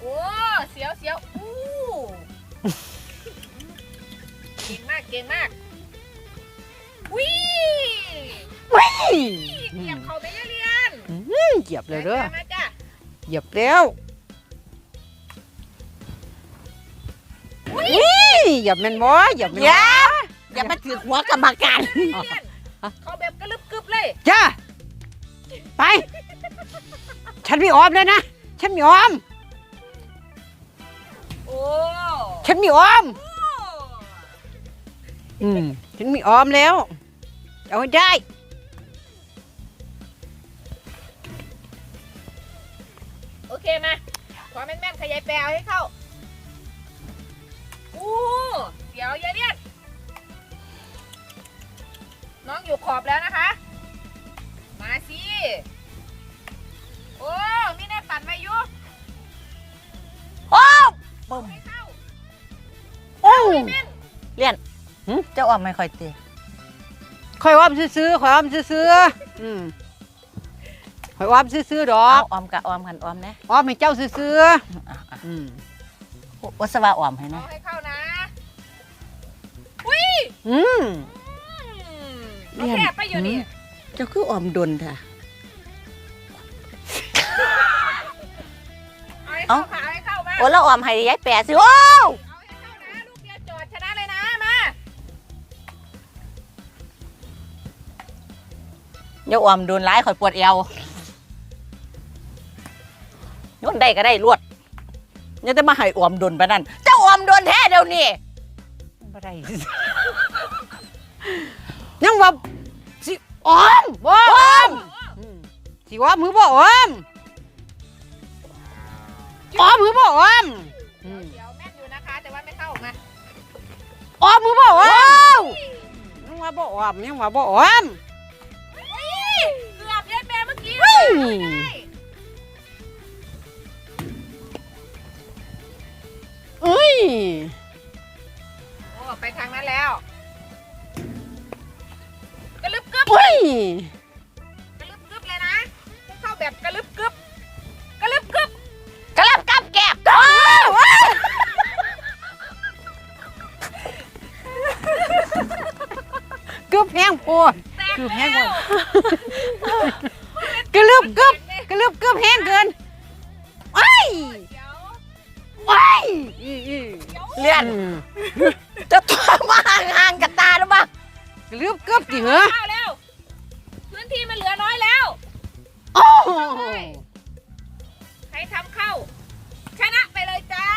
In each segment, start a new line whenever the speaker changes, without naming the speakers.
โอ้เสียวอู้เก่งมากวิเหยียบเขาไม่ได้เรียน
เหยียบเลยเด้อ
มาจ้ะ
เหยียบแล้วเหยียบแม่นบ่เหยียบแม่นบ่
อย่ามาถือหัวกรรมการ
เขาแบบกระลึบกึบเลย
จ้าไปฉันมีออมเลยนะฉันมีออม
โอ้
ฉันมีออมฉันมีออมแล้วเอาให้ได้
โอเคมาขอแม่นๆขยายแปลให้เข้าอู้เดี๋ยวอย่าเลียนน้องอยู่ขอบแล้วนะคะมาสิโอ้มีแน่ตัดไว้อยู่
โอ้ปุ่ม
ไม่เข้า
โอ้
เลี่ยนเจ้าออมไม่ค่อยตี
ข่อยออมซื้อข่อยออมซื้อข่อยออมซื้อดอก
ออมกับออมกันออมนะ
ออมให้เจ้าซื้อ
วัสวะออมให้นะ
เอาให้เข้านะอุ้ยเอาแคบไปอยู่นี่
เจ้าคือออมดนค่ะ
เอาให้เข้ามา
โอ้แล้วออมให้ยายแปะสิโอ้
เอาให้เข้านะลูกเดียวจอดชนะเลยนะมา
เดี๋ยวออมโดนร้ายข่อยปวดเอวโยนได้ก็ได้รวดยังจะมาให้ออมโดนไปนั่นเจ้าออมโดนแท้เดี๋ยวนี้
บ่ได้ยังว่าสิออมบ่ออมสิว่ามือบ่ออมมือบ่ออม
เดี๋ยวแม่นอยู่นะคะแต่ว่าไม่เข้ามา
มือบ่ออมยังว่าบ่ออมยังว่าบ่ออม
เกือบยัดแม่เมื่อกี้โอ้ไปทางนั้นแล้วกระลึบกึบกระลึบกึบเลยนะเข้าแบบกระลึบกึบกระลึบกึบ
กระลับกับแก็บ
กึบแห้งโพดกึบแห้งโพดกระลึบกึบแห้งเกิน
เลี่ยนจะตัวมาห่างกับตาหรือเปล่าก
ระลึบกึบจิเหรอ
เข้าแล้วพื้นที่มันเหลือน้อยแล้วใครทำเข้าชนะไปเลยจ้า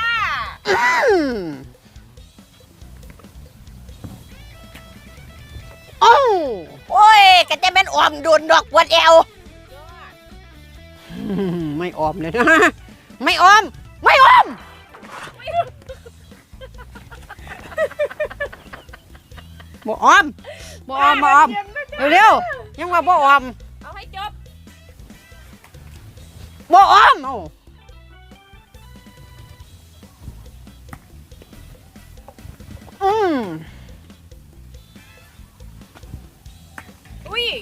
โอ้ยก็จะเป็นออมโดนดอกปวดเอว
ไม่ออมเลยนะไม่ออมบ่ออมเร็วยังว่าบ่ออม
เอาให้จบ
บ่ออม
อุ้ย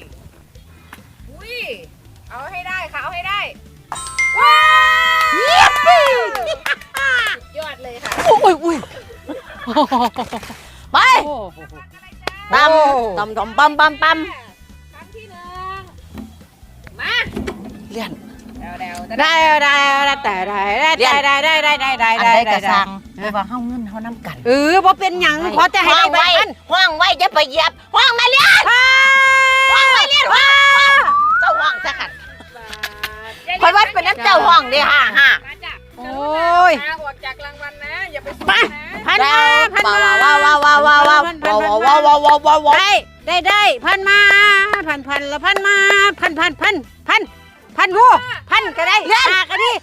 เอาให้ได้ค่ะเอาให้ได้
ว้าว
สุดยอดเลยค่ะ
อุ้ย
ไปตำปั๊ม
ครั้งที่หนึ่งมา
เลี่ยน
ได้
กระซังไม่ว่าเฮาเงินเฮาน้ำกัน
บ่เป็นหยังขอแต่ให้ได้ใบมัน
ห้องไว้จะไปเหยียบห้องมาเลี่ยนห้องเจ้าห้องซะขัดคอยวัดเป็นน้ำเจ้าห้องดิฮ่า
โอ้ย
ออกจากรางวัลนะอย่าไป
ไปพันมาได้พันมาพันละพันมาพันรู้พันก็ได้ก็ดี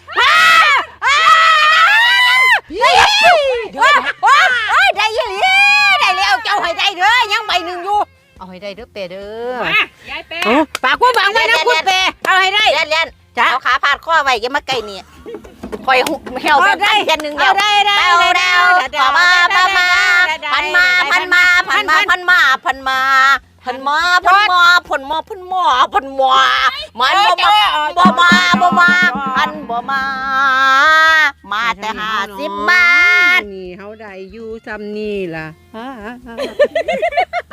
ได้ยี่หลีได้แล้วเจ้าให้ได้เด้อยังใบหนึ่งอยู่เอาให้ได้เด้อเปเด้
อยายเป
ปากกูบังไว้นะคุณเปเอาให้ได้
เลี่ยนเอาขาพาดข้อไว้อย่ามาไกลนี่คอยเหี่ยวแบบได้ยันหนึ่งเดียว
ได้
พันมาพันมามันบ่มาพันบ่มามาแต่50 บาท
นี่เฮาได้อยู่ซ้ำนี่ล่ะ